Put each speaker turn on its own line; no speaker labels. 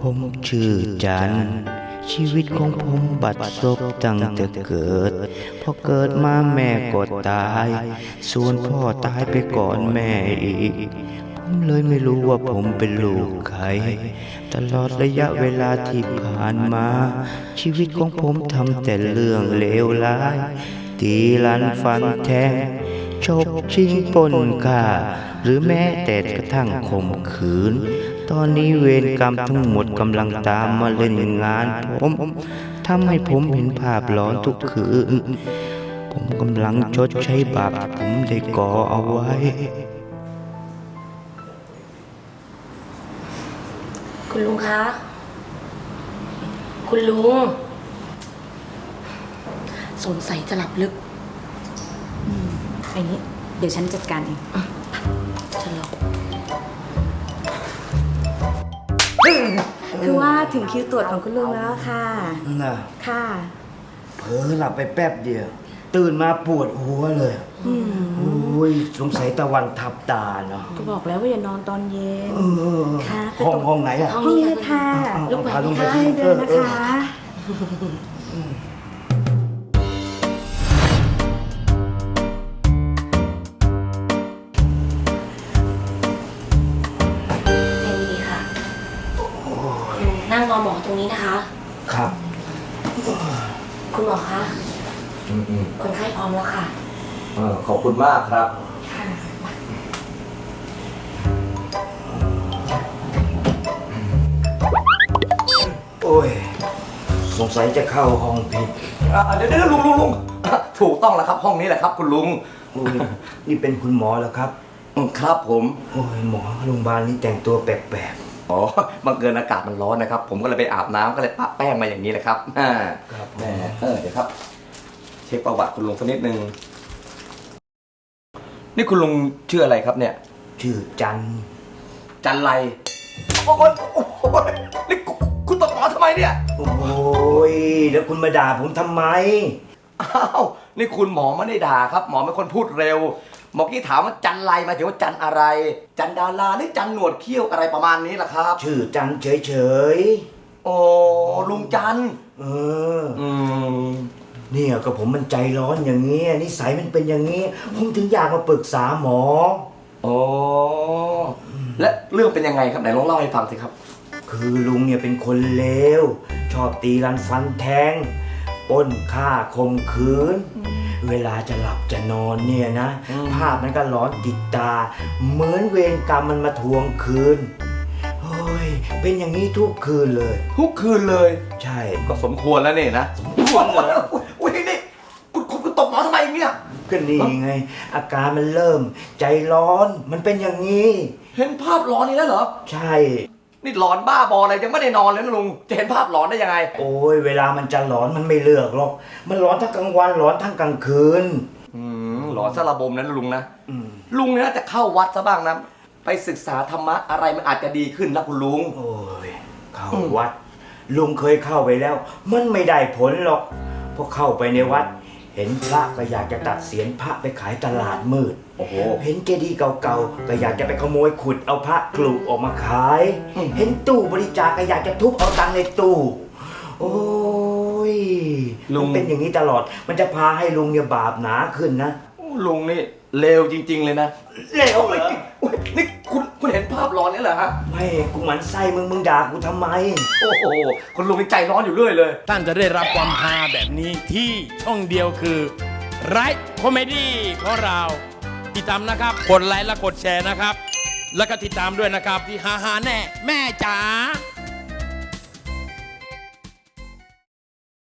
ผมชื่อจันชีวิตของผมบัดซบตั้งแต่เกิดพอเกิดมาแม่ก็ตายส่วนพ่อตายไปก่อนแม่อีกผมเลยไม่รู้ว่าผมเป็นลูกใครตลอดระยะเวลาที่ผ่านมาชีวิตของผมทำแต่เรื่องเลวร้ายตีลันฟันแทงชกชิงปล้นฆ่าหรือแม้แต่กระทั่งข่มขืนตอนนี้เวรกรรมทั้งหมดกำลังตามมาเล่นงานผมทำให้ผมเห็นภาพหลอนทุกคืนผมกำลังชดใช้บาปผมได้ก่อเอาไว้
คุณลุงคะ คุณลุงสงสัยจะหลับลึก
อันนี้เดี๋ยวฉันจัดการเอง
ฉันหลับ
คือว่าถึงคิวตรวจของคุณลุงแล้วค่ะ
น่ะ
ค่ะ
เผลอหลับไปแป๊บเดียวตื่นมาปวดหัวเลยโอ้ยสงสัยตะวันทับตาเนาะ
ก็บอกแล้วว่าอย่านอนตอนเย็นค่ะ
ห้องไหนอะ
ห้องนี้ค่ะ
ลุกไป
ค่ะให้เดินนะคะ
นั่งรอหมอตรงนี้นะคะ
ครับ
คุณหมอคะคนไข้พร้อมแล้วค่ะ
ขอบคุณมากครับ
โอ้ยสงสัยจะเข้าห้องผิด
เดี๋ยวลุงถูกต้องแล้วครับห้องนี้แหละครับคุณลุง
นี่เป็นคุณหมอแล้วครับ
ครับผม
โอ้ยหมอโรงพยาบาลนี้แต่งตัวแปลก
อ๋อบังเอิญอากาศมันร้อนนะครับผมก็เลยไปอาบน้ำก็เลยปะแป้งมาอย่างนี้เลยครับ
ครับ
แม่เดี๋ยวครับเช็คประวัติคุณลุงสักนิดนึงนี่คุณลุงชื่ออะไรครับเนี่ย
ชื่อจัน
ไรโอ้ยนี่คุณตบหมอทำไมเนี่ย
โอ้ยแล้วคุณมาด่าผมทำไม
อ้าวนี่คุณหมอไม่ได้ด่าครับหมอเป็นคนพูดเร็วหมอกี้ถามว่าจันไรมาถึงว่าจันอะไรจันดาราหรือจันหนวดเขี้ยวอะไรประมาณนี้ล่ะครับ
ชื่อจันเฉย
โอ้ลุงจัน
เนี่ยก็ผมมันใจร้อนอย่างนี้นิสัยมันเป็นอย่างนี้ผมถึงอยากมาปรึกษาหมอ
โอ้และเรื่องเป็นยังไงครับไหนลองเล่าให้ฟังสิครับ
คือลุงเนี่ยเป็นคนเลวชอบตีรันฟันแทงปล้นฆ่าข่มขืนเวลาจะหลับจะนอนเนี่ยนะภาพมันก็หลอนติดตาเหมือนเวรกรรมมันมาทวงคืนโอ้ยเป็นอย่างนี้ทุกคืนเลย
ทุกคืนเลย
ใช่
ก็สมควรแล้วนี่นะ
สมควรเหรอ
อุ้ยนี่คุณตบหมอทำไมเนี่ย
ก็นี่ไงอาการมันเริ่มใจร้อนมันเป็นอย่างนี้
เห็นภาพหลอนนี่แล้วเหรอ
ใช่
นี่หลอนบ้าบออะไรยังไม่ได้นอนเลยนะลุงจะเห็นภาพหลอนได้ยังไง
โอ้ยเวลามันจะหลอนมันไม่เลือกหรอกมันหลอนทั้งกลางวันหลอนทั้งกลางคืน
หลอนซะระบมนั้นลุงนะลุงเนี่ยน่าจะเข้าวัดซะบ้างนะไปศึกษาธรรมะอะไรมันอาจจะดีขึ้นนะคุณลุง
โอ้ยเข้าวัดลุงเคยเข้าไปแล้วมันไม่ได้ผลหรอกพอเข้าไปในวัดเห็นพระก็อยากจะตัดเศียรพระไปขายตลาดมืด
โอ้โห
เห็นเจดีย์เก่าๆก็อยากจะไปขโมยขุดเอาพระกลุออกมาขายเห็นตู้บริจาคก็อยากจะทุบเอาตังค์ในตู้โอ้ยลุงเป็นอย่างนี้ตลอดมันจะพาให้ลุงเนี่ยบาปหนาขึ้นนะ
ลุงนี่เลวจริงๆเลยนะ
เลวเหรอ
นี่คุณเห็นภาพร้อนนี่เหรอฮะ
ไม่กูหมั่นไส้มึงด่ากูทำไม
โอ้โหคุณลุงใจร้อนอยู่เรื่อยเลย
ท่านจะได้รับความฮาแบบนี้ที่ช่องเดียวคือไรท์คอมเมดี้ของเราติดตามนะครับกดไลค์และกดแชร์นะครับแล้วก็ติดตามด้วยนะครับที่ฮาแน่แม่จ๋า